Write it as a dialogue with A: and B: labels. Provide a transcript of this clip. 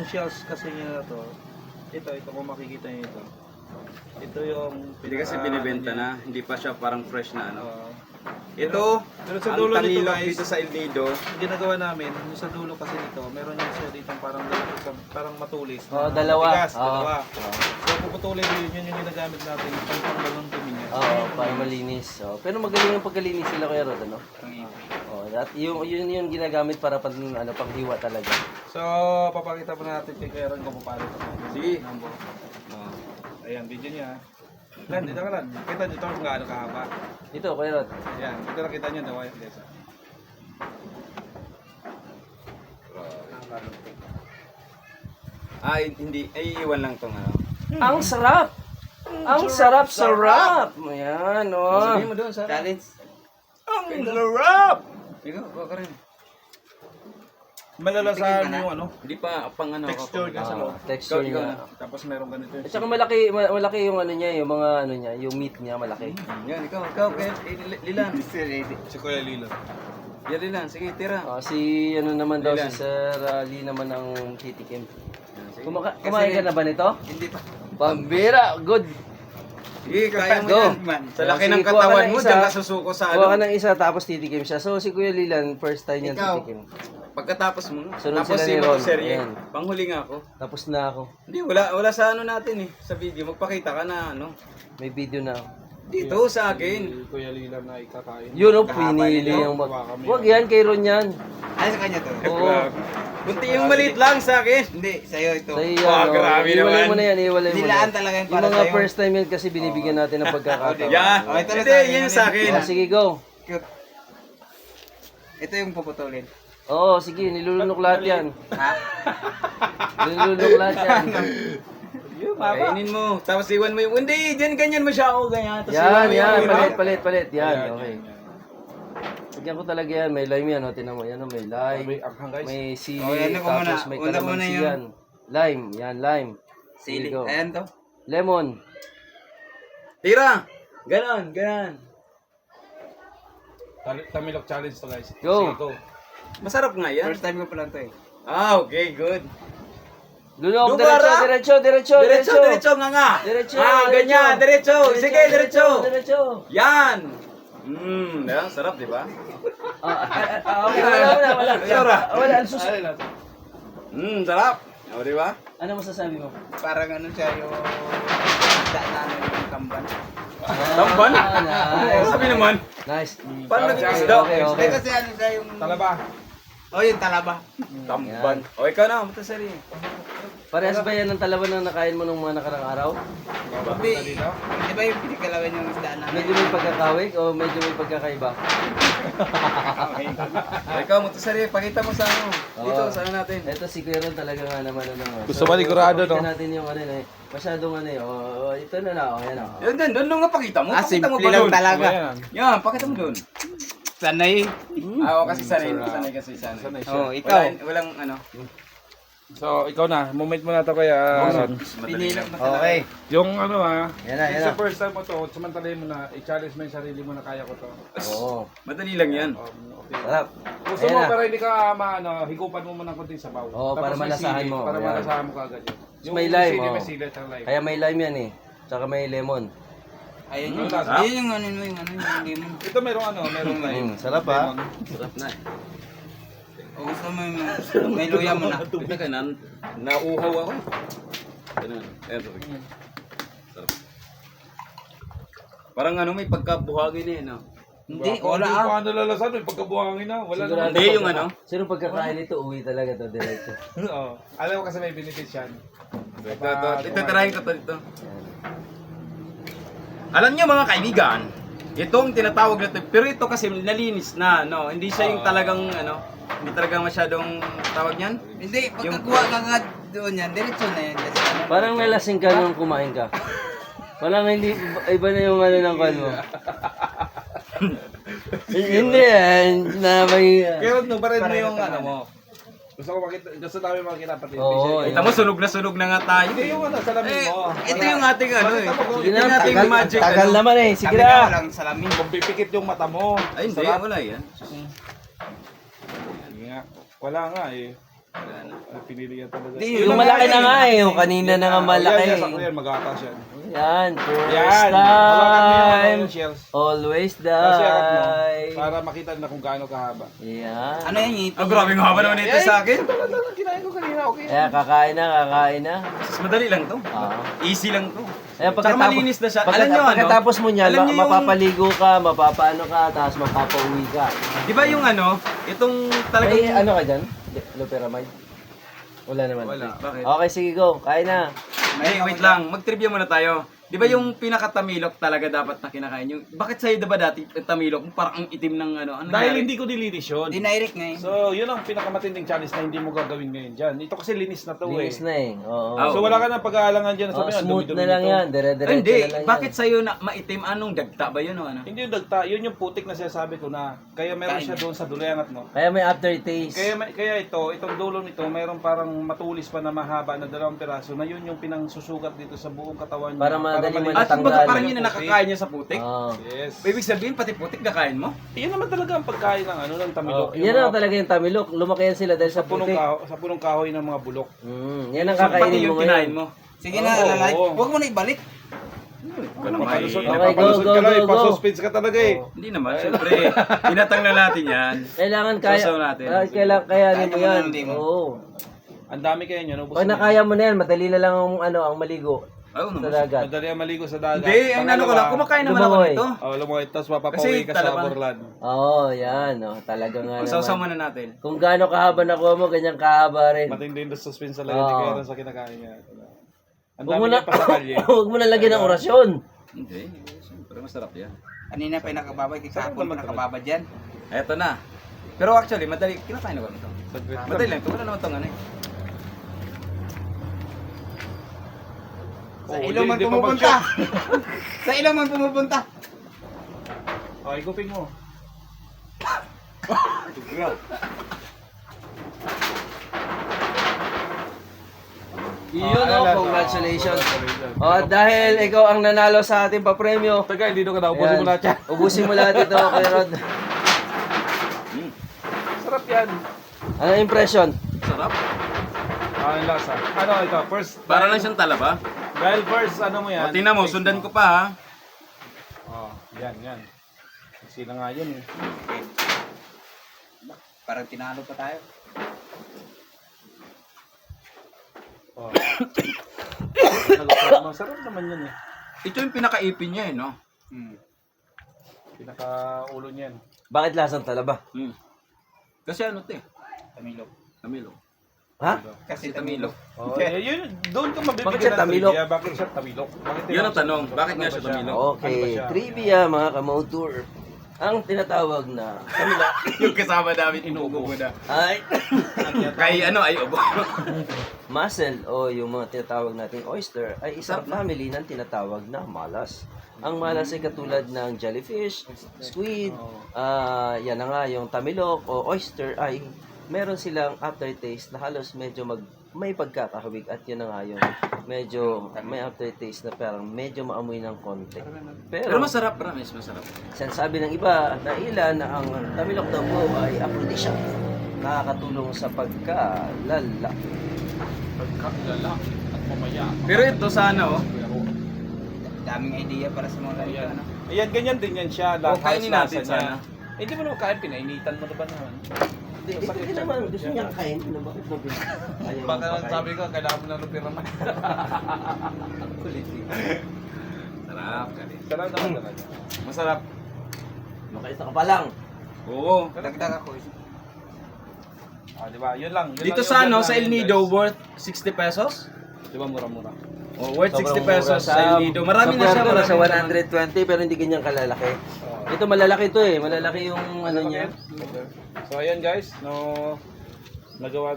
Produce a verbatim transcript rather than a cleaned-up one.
A: Itong shells kasi niya na to, ito, ito kung makikita niyo ito. Ito yung...
B: Hindi kasi binibenta na, hindi pa siya parang fresh na ano.
A: Uh,
B: Ito,
A: pero sa
B: ang
A: dulo nito
B: tamilok
A: guys,
B: dito sa El Nido.
A: ang ginagawa namin, yung sa dulo kasi nito, meron yung siya dito parang dalawa, parang matulis.
C: Oh,
A: na
C: dalawa.
A: Tigas,
C: Oo.
A: dalawa. So puputulin yun, yun yung ginagamit natin, pang panglalong dumi niya.
C: Oo, para malinis. Oh. Pero magaling yung pagkalinis sila Kuya Rod, ano? Oh, at yung yun yung ginagamit para pang ano panghiwa talaga.
A: So, papakita po natin kay Kuya Ron kung paano ito.
B: Sige.
A: Oh. Ayan, video niya. Lan, dito ka lang. Kita nyo ito kung gaano kahaba.
C: Ito Kuya Rod.
A: Ayan, ito nakita nyo, the wireless.
B: Ah, hindi, ay iwan lang tong ano.
C: Ang sarap. Ang sarap sarap. Ayan, oh.
B: Sabihin mo doon sa challenge.
A: Ang sarap!
B: Ikaw, kuha ka rin.
A: Malalasahan yung ano,
B: Hindi pa pang ano.
A: texture niya sa loob.
C: Ah, texture
B: Ikaw, ikaw
C: niya.
B: na.
A: Tapos meron ganito yung
C: At saka malaki ma- malaki yung ano niya, yung mga ano niya, yung meat niya malaki.
B: Yan, ikaw, ikaw, kaya, eh, Li- Lilan.
A: si Kuya Lilo.
B: Yan, Lilan, sige, tira.
C: Ah, si ano naman daw
B: Ilan?
C: si Sir uh, Lee naman ang titikim.
B: Yan, sige.
C: Kumaka- kumain ka na ba nito?
B: Hindi pa.
C: Pambira, good.
B: Sige, kaya mo
C: Go.
B: yan. Sa laki
C: Sige,
B: ng
C: kuha ka
B: katawan
C: ng
B: mo,
C: isa.
B: diyan ka susuko sa
C: Kuha ka
B: ano.
C: ng isa tapos titikim siya. So si Kuya Lilan, first time niya
B: Ikaw.
C: titikim.
B: Pagkatapos mo,
C: Sunod
B: tapos
C: sila
B: si
C: ni Ron.
B: Motoserye,
C: Ayan.
B: panghuli nga ako.
C: Tapos na ako.
B: Hindi, wala wala sa ano natin eh, sa video. Magpakita ka na ano.
C: May video na ako.
B: Dito sa akin.
A: Si Kuya Lilo na ikakain.
C: Yun oh,
B: Kahaba
C: pinili
B: nito.
C: yung mag...
A: Hawakan mo
C: Huwag
A: yun.
C: yan, kay Ron yan.
D: Ay, sa kanya to?
C: Oo.
B: Kunti yung maliit lang sa akin.
D: Hindi, sa'yo ito.
C: Sa iyo,
B: Wow,
C: ano,
B: grabe
C: iwalay
B: naman.
C: mo na yan, iwalay mo
D: Nilaan
C: na.
D: talaga yung
C: Yung
D: para
C: mga
D: sa'yo.
C: first time yan kasi binibigyan natin ng pagkakataon.
B: Yan.
D: Oh, ito na
B: Hindi,
D: sa akin,
B: yun
D: ano
B: sa
D: yun?
B: akin.
C: Oh, sige, go.
D: Cute. Ito yung puputulin.
C: Oo, sige, nilulunok lahat yan.
D: Ha?
C: Nilulunok lahat yan.
B: Kainin mo. Tapos iwan mo yung, hindi, dyan ganyan mo siya ako, ganyan. Tapos
C: Yan,
B: iwan mo
C: yan,
B: yung-
C: palit, palit, palit.
A: Ayan,
C: Yan, okay. Lagyan ko talaga yan, may lime yan, o, tinan mo, yan o, may lime,
A: May anghang guys.
C: may sili,
D: Oh, yan ako muna.
C: tapos may
D: Una muna
C: kalamansi
D: yung-
C: yan. Lime, yan, lime.
D: Sili.
C: Sige, go.
D: Ayan to.
C: Lemon.
B: Tira. Ganon, ganon.
A: Tal- Tamilok challenge to guys.
C: Go.
A: Sige, go.
B: Masarap nga yan.
D: First time ko pa lang to eh.
B: Ah, okay, good.
C: Lunok,
B: Dubara.
C: diretso, diretso, diretso,
B: Diretso, diretso nga nga.
C: Diretso,
B: Ah,
C: diretso.
B: ganyan, diretso. Sige, diretso.
C: Diretso.
B: Yan. Mmm, yan, sarap, di ba?
C: Ah, ah, ah, okay, wala, wala, wala.
B: Sarap.
C: Ah, Wala, ang sus...
A: Alin natin?
B: Mmm, sarap. O, di ba?
C: Ano masasabi mo?
D: Parang ano siya yung... Daan na ano yung tamban.
B: Tamban?
C: Ah, nice.
B: Sabi naman.
C: Nice.
B: Paano
A: Parang
B: naging
A: siya-
B: isda?
C: Okay, okay.
D: Eh kasi ano siya yung...
A: Talaba.
D: Oh, yung talaba.
B: Tamban. O, ikaw na, matasari.
C: Parehas ba yan ng talaban na nakain mo nung mga nakarang araw?
D: Di, di ba yung pinikalawan yung isda namin?
C: Medyo may pagkakawig o medyo may pagkakaiba?
B: O, ikaw, matasari, pakita mo sa ano. Dito,
C: Oo.
B: sa ano natin.
C: Ito si Kuya Ron talaga nga naman ano. no.
A: Gusto ba sigurado,
C: pakita
A: no?
C: natin yung ano eh. Masyadong ano eh. Oh, oh, ito na na. Oh, yan oh.
B: Yan, doon, doon nga pakita mo.
D: Ah,
B: Pakita mo
D: simple
B: pa
D: lang
B: doon.
D: talaga.
A: Ayan.
B: Yan, pakita mo doon.
D: Sanay.
B: Ah, o, kasi sanay,
A: Sarap.
B: sanay kasi sanay.
A: Sanay siya.
D: Oh, ikaw.
B: Walang, walang ano.
A: So, ikaw na. Moment mo na to kaya. Ron.
B: Madali lang.
D: Okay.
A: Yung ano ha.
C: Yan na, yan
A: It's
C: na.
A: the first time mo to. Samantalahin mo na. I-challenge mo yung sarili mo na kaya ko to.
C: Oo.
B: Madali lang yan.
A: Um, okay.
C: Sarap.
A: Gusto
C: Ayan
A: mo
C: na.
A: pero hindi ka maano, higupan mo muna ng konting sabaw.
C: Oo, para
A: may
C: malasahan
A: sili,
C: mo.
A: Para
C: Ayan.
A: malasahan mo kagad yun.
C: May lime,
A: sili,
C: oh.
A: may sili at ang lime.
C: Kaya may lime yan eh. Tsaka may lemon.
D: Ayun yung,
A: Mm.
D: ayun yung ano mo yung ano yung lemon.
A: Ito merong ano, merong lime.
C: Mm, sarap ha.
B: Sarap na eh.
D: O gusto mo yung may luya mo na.
B: Tubig ka na, nauuhaw ako. Ganun. Ayan, tubig. Sarap. Parang ano, may pagkabuhagin eh, no?
D: Hindi,
A: Kung
D: wala
A: Hindi
D: ah.
A: ko ano lalasan, may pagkabuhangin na. Wala
C: Sigurado
A: naman.
B: Hindi,
C: pagka-
B: yung ano?
C: Sino pagkakain nito, uwi talaga to diretso.
A: Oo. Alam mo kasi may benefits yan.
B: Ito, ito, ito, tirahin ko to dito. Alam niyo mga kaibigan, itong tinatawag na to, pero ito kasi nalinis na, no? Hindi siya yung talagang, ano, hindi talagang masyadong tawag niyan.
D: Hindi, pagkakuha ka nga doon yan, diretso na yan. Kasi ano,
C: Parang nalasing ka nung kumain ka. Parang hindi, iba na yung ano ng kan mo. Hindi yan, na may...
A: Pero no, parin mo yung ano mo. Gusto ko makita, gusto namin makita pati.
C: Oo,
A: visual.
B: Kita mo, sunog na sunog na nga tayo.
A: Hindi yung ano, salamin
B: Eh,
A: mo.
B: ito yung ating ano eh.
C: Sige
B: Ito yung
C: na,
B: ating
C: tagal,
B: magic.
C: tagal
B: ano.
C: naman eh. Sige
D: sabi na
C: na.
D: walang salamin.
A: Kung pipikit yung mata mo.
B: Ay, hindi,
A: sarap.
B: wala yan.
A: Sige nga. Wala nga eh.
B: Wala na.
A: Ah, pinili yan talaga.
D: Di,
C: Yung malaki na nga eh. Yung kanina na nga malaki.
A: Yan, yan, sakto yan, mag-atas yan.
C: Yan, first
A: Yan! Hawakan mo yung ano,
C: time.
A: yung shells.
C: Always
A: Kasi akat mo,
C: die.
A: para makita na kung gaano kahaba.
C: Yan.
D: Ano yan, ngipin?
B: Ah, grabe nga haba naman ito sa akin.
A: Ito lang lang, kinain ko kanina, okay.
C: Kaya kakain na, kakain na.
B: Mas madali lang to.
C: Oo.
B: Easy lang to.
C: Kaya
B: Tsaka malinis na siya.
C: pagkata-
B: Alam nyo, ano?
C: pagkatapos mo niyan,
B: Alam
C: ma-
B: nyo yung-
C: mapapaligo ka, mapapaano ka, tapos mapapauwi ka.
B: Di ba yung ano, itong talagang...
C: May ano ka dyan? Loperamide? Wala naman.
B: Wala. Bakit?
C: Okay, sige go. Kain na.
B: Ay, wait lang. Mag-trivia muna tayo. Di ba yung pinaka-tamilok talaga dapat na kinakain yung... Bakit sa'yo diba dati yung tamilok? Parang ang itim ng ano. ano
A: Dahil
B: nangyari?
A: hindi ko nilinis yun.
D: Dinirect nga eh.
A: So, yun ang pinakamatinding challenge na hindi mo gagawin ngayon dyan. Ito kasi linis na to
C: Linis
A: eh.
C: na eh. Oo.
B: Ah,
A: So, wala ka nang pag-aalangan dyan.
C: Oh,
A: Sabi nga,
C: smooth
A: dumi-dumi
C: na lang
A: nito.
C: yan.
B: Ay,
C: Dire-diretso
B: hindi.
C: na lang
B: Bakit
C: yan.
B: sa'yo na maitim? Anong dagta ba yun o ano?
A: Hindi yung dagta, yun yung putik na sinasabi ko na kaya meron
D: Kain
A: siya
D: niya.
A: doon sa duleangat mo.
C: Kaya may aftertaste.
A: Kaya may- kaya ito, itong dulo nito, mayroon parang matulis pa na mahaba na dalawang piraso na yun yung pinangsusugat dito sa buong katawan niya.
C: Para madali
A: malinis.
B: At
C: matatanggal.
B: kumbaga parang yun
A: Yung
B: na
A: putik.
B: nakakain niya sa putik?
C: Oo.
A: Yes.
B: Ibig sabihin, pati putik nakain mo?
A: Yan naman talaga ang pagkain ng ano ng tamilok.
C: Oh,
A: Yung
C: yan ang
A: mga-
C: talaga yung tamilok. Lumaki yan sila dahil sa
A: sa punong
C: putik.
A: kahoy, sa punong kahoy ng mga bulok.
C: Mm, yan ang
B: So, pati
C: kakainin mo
B: yung
C: ngayon.
B: kinain mo?
D: Sige na,
A: Oo,
D: lalay.
A: oo.
D: Huwag mo na ibalik.
B: Ikaw naman.
A: Papalusot,
C: Okay, go,
A: papalusot
C: go,
A: ka lang,
C: go,
A: eh,
C: go.
A: pa-suspense ka talaga eh.
B: Hindi naman, syempre. Tinatang na natin yan.
C: Kailangan kaya.
B: Sasaw natin.
C: Ah, kailangan kayanin
D: Kaya
C: mo
D: naman
C: yan.
D: ng limon.
C: Oo.
A: Ang dami kayo nyo, ubos
C: Pag
A: na.
C: nakaya mo na yan, madali na lang ang ano, ang maligo
B: Oo
C: sa
B: naman.
C: dagat.
A: Madali ang maligo sa dagat.
B: Hindi, ang ano ko lang, kumakain naman ako
C: Lumangoy.
B: nito.
A: Oh, lumoy, tapos
B: Kasi
A: mapapauwi ka sa
B: talaga-
A: Borlan.
C: Oo, yan. Oh, talaga nga
B: Sausaw
C: naman.
B: muna natin.
C: Kung gaano kahaba nakuha mo, ganyan kahaba rin.
A: Matindi yung suspense talaga
C: Oo.
A: ni Kuya Ron sa kinakain niya. Ang
C: Huwag mo
A: dami
C: na,
A: niya pa sa kalye.
C: huwag mo na lagyan ng orasyon.
B: Hindi, syempre masarap yan.
D: Kanina pa yung nakababad, kahapon pa nakababad yan.
B: Eto na. Pero actually, madali, kinakain ako nito.
A: Saglit lang.
B: Madali lang, ito wala naman itong ano eh.
D: Sa
A: Oo,
D: ilong man
A: hindi- hindi pa
D: pumupunta.
A: mag-shoot.
D: Sa ilong man pumupunta.
A: Oh, igupin mo.
C: Yun
A: Ah,
C: oh,
A: alam.
C: congratulations. Oh, dahil ikaw ang nanalo sa ating papremyo.
A: Taga, hindi doon ka na. Ubusin mo
C: Ayan.
A: lahat yan.
C: Ubusin mo lahat ito, Kuya Rod.
A: Sarap yan.
C: Ano impression?
B: Sarap.
A: Ah, ang lasa. Ano ito? First,
B: Para lang siyang talaba.
A: dahil first, ano mo yan?
B: O, tingnan mo, sundan ko pa ha.
A: Oh, yan, yan. Sila nga yun eh.
D: Parang tinalo pa tayo.
A: Oh. Nalukad mo. Sarap naman yun eh.
B: Ito yung pinakaipin niya eh, no?
D: Hmm.
A: Pinaka-ulo niyan.
C: Bakit lasang talaba?
B: Hmm. Kasi ano ito eh?
D: Tamilok.
B: Tamilok.
C: Ha?
D: Kasi
B: Tamilok.
D: tamilok.
A: Oh, eh, yun, doon ka mabibigyan
C: Bakit siya
A: ng
C: tamilok?
A: trivia. Bakit siya tamilok? Bakit
B: Yun ang tanong, bakit nga siya tamilok?
A: Ano ba
C: Okay,
A: siya?
C: trivia mga kamotor. Ang tinatawag na tamilok
B: Yung kasama namin, inuubo ko na.
C: ay
B: Kay ano, ay ubo.
C: mussel o yung mga tinatawag nating oyster ay isang family ng tinatawag na malas. Ang malas ay katulad ng jellyfish, squid, ah yan na nga yung tamilok o oyster ay meron silang aftertaste na halos medyo mag may pagkakahawig at yun na nga yung medyo may aftertaste na parang medyo maamoy ng konti.
B: Pero masarap, promise, masarap.
C: Sinasabi ng iba na ilan na ang tamilok daw po ay aphrodisiac. Nakakatulong sa pagkalala.
A: Pagkakalala at mamaya.
B: Pero ito sana oh.
D: Daming idea para sa mga lalito.
A: Ayan.
D: Ano?
A: Ayan, ganyan din yan siya.
B: O, kainin
A: Halos
B: natin
A: lasa niya.
B: sana.
A: Eh, Hindi mo naman kain, pinainitan mo na ba naman?
C: Hindi, hindi naman. Gusto niya kain. Ano, bakit mo bin- ayaw
A: Baka
C: mo pakain?
A: sabi ko, kailangan mo na lupira man.
B: Sarap.
A: Sarap naman talaga.
B: Masarap.
C: Makaisa ka pa lang.
B: Oo.
D: Dagdag ako. eh.
A: Ah, di ba? Yun lang. Yun
B: Dito
A: lang
B: sa
A: yung
B: ano,
A: vlog
B: sa El
A: namin,
B: Nido,
A: guys.
B: worth sixty pesos?
A: Di ba, mura-mura?
B: Oh, worth
C: Sobrang
B: sixty
C: mura.
B: pesos sa El Nido. Marami na siya,
C: Sa
B: marami
C: sa
B: na
C: one hundred twenty pero hindi ganyan kalalaki. Ito malalaki to eh. Malalaki yung ano niya.
A: So, ayan guys. No, nagawa